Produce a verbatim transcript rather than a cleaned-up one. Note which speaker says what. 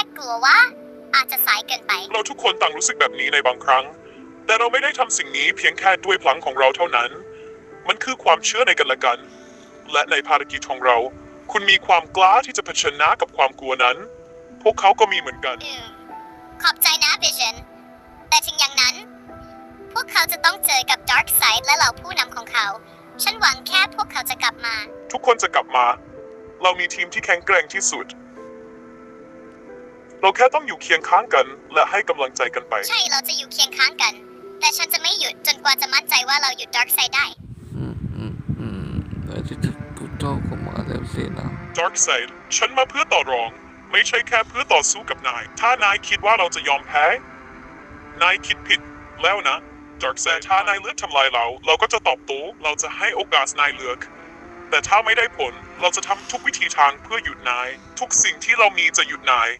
Speaker 1: กลัวว่าอาจจะสายเกินไป
Speaker 2: เราทุกคนต่างรู้สึกแบบนี้ในบางครั้งแต่เราไม่ได้ทำสิ่งนี้เพียงแค่ด้วยพลังของเราเท่านั้นมันคือความเชื่อในกันและกันและในภารกิจของเราคุณมีความกล้าที่จะเผชิญหน้ากับความกลัวนั้นพวกเขาก็มีเหมือนกัน
Speaker 1: อืมขอบใจนะ Vision แต่ถึงอย่างนั้น พวกเขาจะต้องเจอกับ Dark Side และเหล่าผู้นำของเขา ฉันหวังแค่พวกเขาจะกลับมา
Speaker 2: ทุกคนจะกลับมา เรามีทีมที่แข็งแกร่งที่สุด เราแค่ต้องอยู่เคียงข้างกัน และให้กำลังใจกันไป
Speaker 1: ใช่เราจะอยู่เคียงข้างกัน แต่ฉันจะไม่หยุดจนกว่าจะมั่นใจว่าเราหยุด Dark Side ได้
Speaker 3: อืมอืมอืมอาทิตย์พุทธเจ้าก็มาแล้วสินะ
Speaker 2: Dark Side ฉันมาเพื่อต่อรอง ไม่ใช่แค่เพื่อต่อสู้กับนาย ถ้านายคิดว่าเราจะยอมแพ้ นายคิดผิดแล้วนะ Dark Side ถ้านายเลือกทำลายเรา เราก็จะตอบโต้เราจะให้โอกาสนายเลือก แต่ถ้าไม่ได้ผล เราจะทำทุกวิธีทางเพื่อหยุดนาย ทุกสิ่งที่เรามีจะหยุดนาย